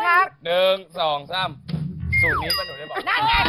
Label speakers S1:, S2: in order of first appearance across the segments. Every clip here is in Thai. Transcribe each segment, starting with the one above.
S1: ครับ
S2: 1 2 3สูตรนี้ป้าหนูได้บอก
S1: นั่นไง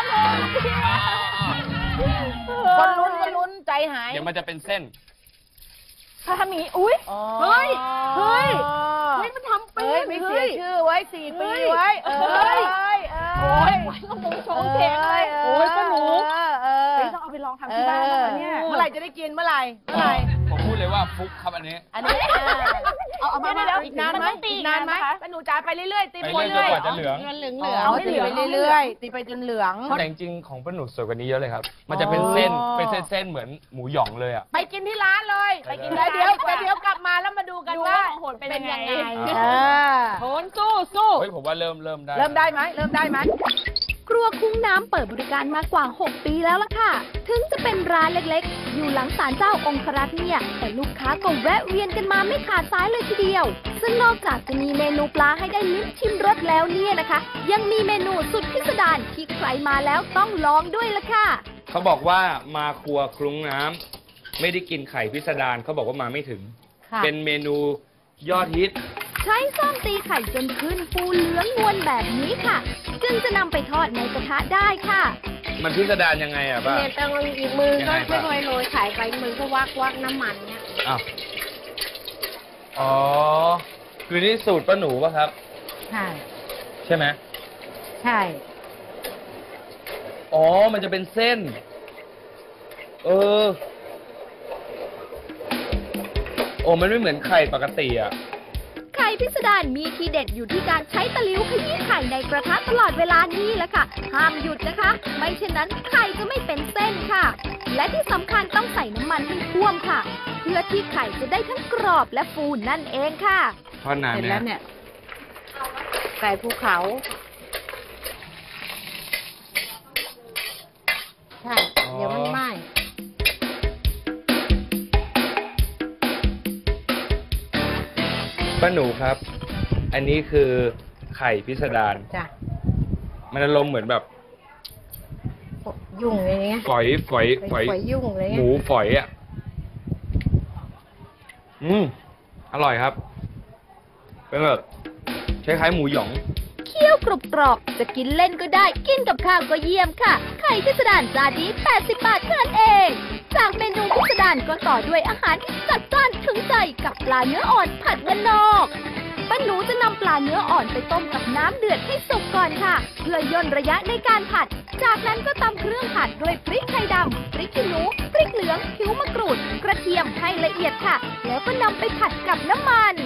S1: คนลุ้นใจหาย
S2: เดี๋ยวมันจะเป็นเส้น
S3: ถ้าทำอย่างนี้อุ้ยเฮ้ยมันทำเป็น
S1: ไม่เสียชื่อไว้4 ปีไว้โอ้ย
S3: ก็มงชงเพลงเลยโอ้ยป้าหนูต้องเอาไปลองทำที่บ้านแล้วเนี่ย
S1: เมื่อไหร่จะได้กินเมื่อไหร่
S2: ผมพูดเลยว่าฟุกครับอันนี้
S3: เอามา
S1: อีกนานไหมป้าหนูจ่ายไปเรื่อยๆตีไปเรื่อย
S2: ๆจนกว่าจะเหลือง
S1: เอาให้เหลืองเรื่อยๆตีไปจนเหลือง
S2: แต่จริงๆของป้าหนูสวยกว่านี้เยอะเลยครับมันจะเป็นเส้นเหมือนหมูหยองเลยอ่ะ
S1: ไปกินที่ร้านเลยไปกินเดี๋ยวกลับมาแล้วมาดูกันว่า
S3: โหนเป็นยังไง
S1: โหนสู้
S2: เฮ้ยผมว่าเริ่มได้
S1: เริ่มได้ไหม
S4: ครัวคุ้งน้ำเปิดบริการมากว่า 6 ปีแล้วล่ะค่ะ ถึงจะเป็นร้านเล็กๆ อยู่หลังศาลเจ้าองครักษ์เนี่ย แต่ลูกค้าก็แวะเวียนกันมาไม่ขาดสายเลยทีเดียว ซึ่งนอกจากจะมีเมนูปลาให้ได้ลิ้มชิมรสแล้วเนี่ยนะคะ ยังมีเมนูสุดพิสดารที่ใครมาแล้วต้องลองด้วยล่ะค่ะ
S2: เขาบอกว่ามาครัวคลุ้งน้ำไม่ได้กินไข่พิสดารเขาบอกว่ามาไม่ถึงเป็นเมนูยอดฮิต
S4: ใช้ส้อมตีไข่จนขึ้นฟูเหลืองนวลแบบนี้ค่ะ จึงจะนำไปทอดในกระทะได้ค่ะ
S2: มันพิสดารยังไงอะป้า
S3: เนี่ยต้องอีกมือก็ไม่ค่อยโรยไข่ไปมือก็วักน้ำมันเนี่ย
S2: อ้าวอ๋อคือนี่สูตรป้าหนูป่ะครับใช่ไหม
S3: ใช่
S2: อ๋อมันจะเป็นเส้นโอ้มันไม่เหมือนไข่ปกติอะ
S4: ไข่พิสดารมีทีเด็ดอยู่ที่การใช้ตะหลิวขยี้ไข่ในกระทะตลอดเวลานี้แหละค่ะห้ามหยุดนะคะ ไม่เช่นนั้นไข่จะไม่เป็นเส้นค่ะ และที่สำคัญต้องใส่น้ำมันให้ท่วมค่ะ เพื่อที่ไข่จะได้ทั้งกรอบและฟูนั่นเองค่ะ
S2: ทอดนานเนี่ย
S3: ไก่ภูเขาใช่เดี๋ยวมันไหม้
S2: ป้าหนูครับอันนี้คือไข่พิสดาร
S3: จ้ะ
S2: มันอารมณ์เหมือนแบบ
S3: ยุ่งอะไรเงี้ย
S2: ฝอย
S3: ยุ่งเลย
S2: หมูฝอยอ่ะอร่อยครับเป็นแบบคล้ายๆหมูหยอง
S4: เคี่ยวกรอบๆจะกินเล่นก็ได้กินกับข้าวก็เยี่ยมค่ะไข่พิสดารจานนี้80 บาทเท่านั้นเองจากเมนูพิสดารก็ต่อด้วยอาหารที่จัดจ้านถึงใจกับปลาเนื้ออ่อนผัดบ้านนอกป้าหนูจะนำปลาเนื้ออ่อนไปต้มกับน้ำเดือดให้สุกก่อนค่ะเพื่อย่นระยะในการผัดจากนั้นก็ตำเครื่องผัดด้วยพริกไทยดำพริกขี้หนูพริกเหลืองผิวมะกรูดกระเทียมให้ละเอียดค่ะแล้วก็นำไปผัดกับน้ำมัน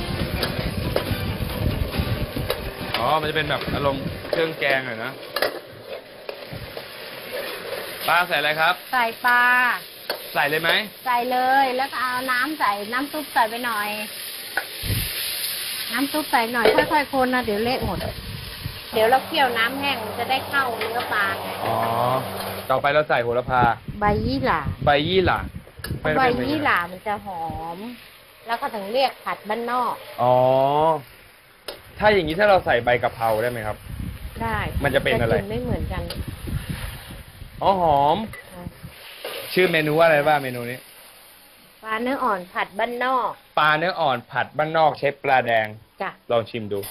S2: มันจะเป็นแบบอารมณ์เครื่องแกงหน่อยนะปลาใส่อะไรครับ
S3: ใส่ปลา
S2: ใส่เลยไหม
S3: ใส่เลยแล้วก็เอาน้ำใส่น้ำซุปใส่ไปหน่อยน้ำซุปใส่หน่อยค่อยๆคนนะเดี๋ยวเละหมดเดี๋ยวเราเคี่ยวน้ำแห้งจะได้เข้าเนื้อปลา
S2: ต่อไปเราใส่โหระพา
S3: ใบยี่หร่า
S2: ใบยี่หร่า
S3: มันจะหอมแล้วก็ถึงเรียกผัดบ้านนอก
S2: ถ้าอย่างนี้ถ้าเราใส่ใบกะเพราได้ไหมครับ
S3: ได้
S2: มันจะเป็นอะไร
S3: ไม่เหมือนกัน
S2: หอมชื่อเมนูว่าอะไรบ้างเมนูนี้
S3: ปลาเนื้ออ่อนผัดบ้านนอก
S2: ปลาเนื้ออ่อนผัดบ้านนอกเชฟปลาแดง
S3: จ้ะ
S2: ลองชิมดู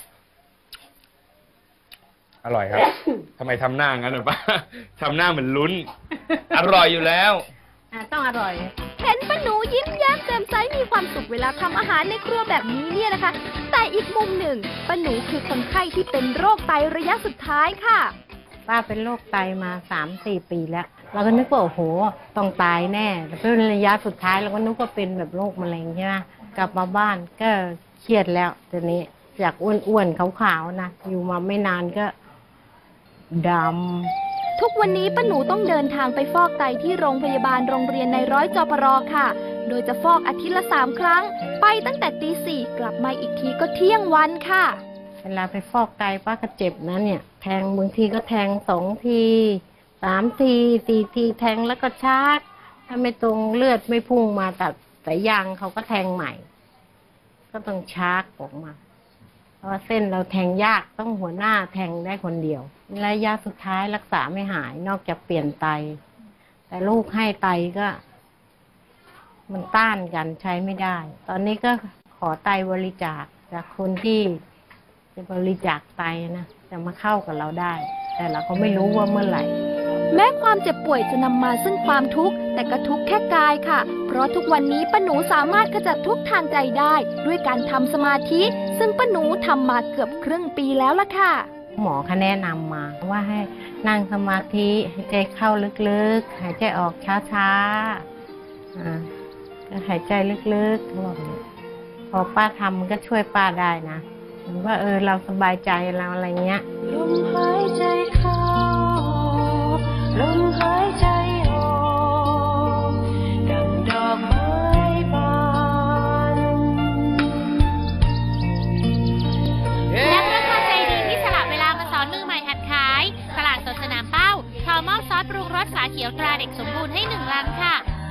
S2: อร่อยครับ ทำไมทำหน้างั้นหรอป้าทำหน้าเหมือนลุ้นอร่อยอยู่แล้ว
S3: ต้องอร่อย
S4: เห็นป้าหนูยิ้มแย้มแจ่มใสมีความสุขเวลาทำอาหารในครัวแบบนี้เนี่ยนะคะแต่อีกมุมหนึ่งป้าหนูคือคนไข้ที่เป็นโรคไตระยะสุดท้ายค่ะ
S3: ป้าเป็นโรคไตมา 3-4 ปีแล้วเราก็นึกว่าโอ้โหต้องตายแน่แต่เป็นระยะสุดท้ายเราก็นึกว่าเป็นแบบโรคมะเร็งใช่ไหมกลับมาบ้านก็เครียดแล้วตอนนี้จากอ้วนๆขาวๆนะอยู่มาไม่นานก็ดำ
S4: ทุกวันนี้ป้าหนูต้องเดินทางไปฟอกไตที่โรงพยาบาลโรงเรียนในร้อยจปรค่ะโดยจะฟอกอาทิตย์ละ3 ครั้งไปตั้งแต่ตี 4กลับมาอีกทีก็เที่ยงวันค่ะ
S3: เวลาไปฟอกไตป้าก็เจ็บนะเนี่ยแทงบางทีก็แทง2 ที3 ที 4 ทีแทงแล้วก็ชาร์จถ้าไม่ตรงเลือดไม่พุ่งมาตัดสายยางเขาก็แทงใหม่ก็ต้องชาร์จออกมาเพราะว่าเส้นเราแทงยากต้องหัวหน้าแทงได้คนเดียวระยะสุดท้ายรักษาไม่หายนอกจากเปลี่ยนไตแต่ลูกให้ไตก็มันต้านกันใช้ไม่ได้ตอนนี้ก็ขอไตบริจาคจากคนที่จะบริจาคไตนะจะมาเข้ากับเราได้ แต่เราก็ไม่รู้ว่าเมื่อไหร่
S4: แม้ความเจ็บป่วยจะนำมาซึ่งความทุกข์แต่ก็ทุกข์แค่กายค่ะ เพราะทุกวันนี้ป้าหนูสามารถขจัดทุกข์ทางใจได้ ด้วยการทำสมาธิ ซึ่งป้าหนูทำมาเกือบครึ่งปีแล้วล่ะค่ะ
S3: หมอเขาแนะนำมาว่าให้นั่งสมาธิหายใจเข้าลึกๆหายใจออกช้าๆก็หายใจลึกๆเขาบอกอย่างนี้พอป้าทำมันก็ช่วยป้าได้นะเหมือนว่าเราสบายใจเราอะไรเงี้ยลมหายใจเข้าลมหายใจออกดังดอกไม้บาน
S5: และเพื่อความใจดีที่สละเวลามาสอนมือใหม่หัดขายตลาดสดสนามเป้าขอมอบซอสปรุงรสฝาเขียวตราเด็กสมบูรณ์ให้1 ลังค่ะ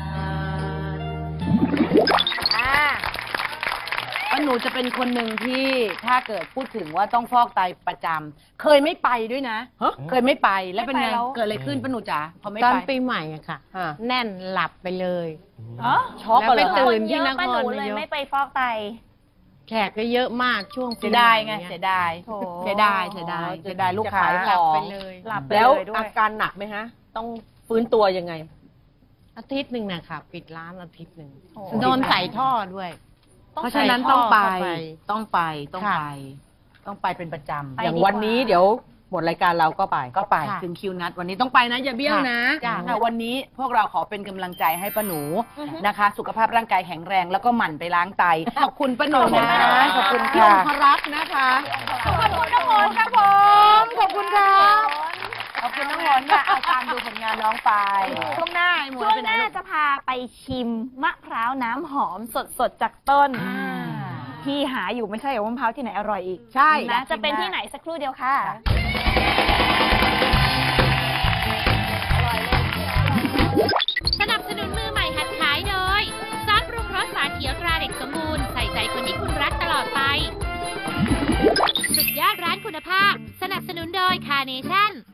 S1: ป้าหนูจะเป็นคนหนึ่งที่ถ้าเกิดพูดถึงว่าต้องฟอกไตประจำเคยไม่ไปด้วยนะเคยไม่ไปแล้วเป็นไงเกิดอะไรขึ้นป้าหนูจ๋าพอไม่
S3: ตอน
S1: ไป
S3: ปีใหม่อะค่ะ แน่นหลับไปเลย
S1: ช็อก
S3: แล้ว
S1: เล
S3: ไป
S1: ย
S3: ตื่นที่นค
S6: ป้าห
S3: ร
S6: นู
S3: นา
S6: เลย
S3: ยก
S6: ไม่ไปฟอกไต
S3: แขกก็เยอะมากช่วงปี
S1: เสีย
S3: ใหม่
S1: ดายไง
S3: นี่
S1: เสียดาย
S6: โถ
S1: เสียดายเสียดายเสียดายลูกค้า
S3: หลับไปเลย
S6: หลับไป
S7: แล้ว
S6: เลยด้วย
S7: อาการหนักไหมฮะ ต้องฟื้นตัวยังไง
S3: อาทิตย์หนึ่งนะคะปิดร้านอาทิตย์หนึ่ง
S6: โอ้
S3: โดนใส่ท่อด้วย
S1: เพราะฉะนั้นต้องไป
S3: ใส่ท่อเข้าไป
S1: ต้องไปต้อง
S3: ค่ะ
S1: ไปต้องไปเป็นประจำ
S6: ไป
S7: อย่าง
S6: ดีกว่า
S7: วันนี้เดี๋ยวหมดรายการเราก็ไป
S1: ก็ไป
S3: ค่ะ
S1: ถึงคิวนัดวันนี้ต้องไปนะอย่าเบี้ยวนะ
S3: จ้ะ
S1: ค่ะวันนี้พวกเราขอเป็นกำลังใจให้ป้าหนูนะคะ สุขภาพร่างกายแข็งแรงแล้วก็หมั่นไปล้างไตขอบคุณป้าหนูนะขอบคุณพี่องครักษ์นะคะขอบคุณน้องมนต์ครับผมขอบคุณครับขอบคุณน้องมนต์ค่ะเอาตามดูผลงานน้องไปช่วงหน้าไอ้หมวย
S6: ช่วง
S1: ไป
S6: ห
S1: ไหน
S6: น้า
S1: ลูก
S6: จะพาไปชิมมะพร้าวน้ำหอมสดๆจากต้น ที่หาอยู่ไม่ใช่เหรอว่ามะพร้าวที่ไหนอร่อยอีก
S1: ใช่
S6: นะจะเป็นที่ไหนสักครู่เดียวค่ะ
S5: สนับสนุนมือใหม่หัดขายโดยซอสปรุงรสฝาเขียวตราเด็กสมบูรณ์ใส่ใจคนที่คุณรักตลอดไป สุดยอดร้านคุณภาพ สนับสนุนโดยคาร์เนชั่น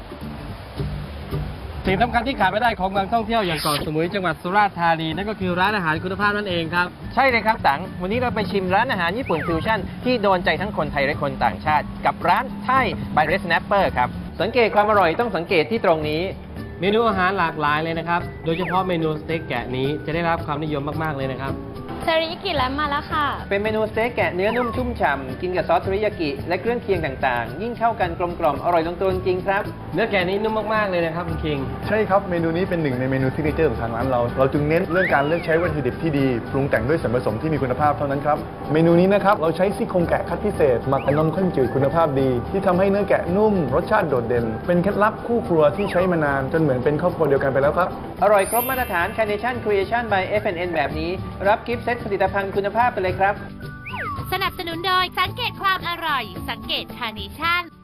S8: สิ่งสำคัญที่ขาดไม่ได้ของเมืองท่องเที่ยวอย่างเกาะสมุยจังหวัดสุราษฎร์ธานีนั่นก็คือร้านอาหารคุณภาพนั่นเองครับ
S9: ใช่เลยครับตังวันนี้เราไปชิมร้านอาหารญี่ปุ่นฟิวชั่นที่โดนใจทั้งคนไทยและคนต่างชาติ กับร้านไทย by Red Snapper ครับ สังเกตความอร่อยต้องสังเกตที่ตรงนี้
S8: เมนูอาหารหลากหลายเลยนะครับ โดยเฉพาะเมนูสเต็กแกะนี้จะได้รับความนิยมมากๆเลยนะครับ
S5: เซริยากิแลมมาแล้วค่ะ
S9: เป็นเมนูสเต็กแกะเนื้อนุ่มชุ่มฉ่ำกินกับซอสเทริยากิและเครื่องเคียงต่างๆ ยิ่งเข้ากันกลมกล่อมอร่อยลงตัวจริงๆครับ
S8: เนื้อแกะนี้นุ่มมากๆเลยนะครับคุณคิง
S10: ใช่ครับ เมนูนี้เป็นหนึ่งในเมนูซิกเนเจอร์ของทางร้านเรา เราจึงเน้นเรื่องการเลือกใช้วัตถุดิบที่ดี ปรุงแต่งด้วยส่วนผสมที่มีคุณภาพเท่านั้นครับ เมนูนี้นะครับ เราใช้ซี่โครงแกะคัดพิเศษหมักกับนมข้นจืดคุณภาพดี ที่ทำให้เนื้อแกะนุ่ม รสชาติโดดเด่น เป็นเคล็ดลับคู่ครัวที่ใช้มานานจนเหมือนเป็นครอบครัวเดียวกันไปแล้วครับ
S9: อร่อยครบมาตรฐาน Carnation Creation by F&N แบบนี้ รับกิฟต์เซตผลิตภัณฑ์คุณภาพไปเลยครับ
S5: สนับสนุนโดยสังเกตความอร่อย สังเกตคาร์เนชั่น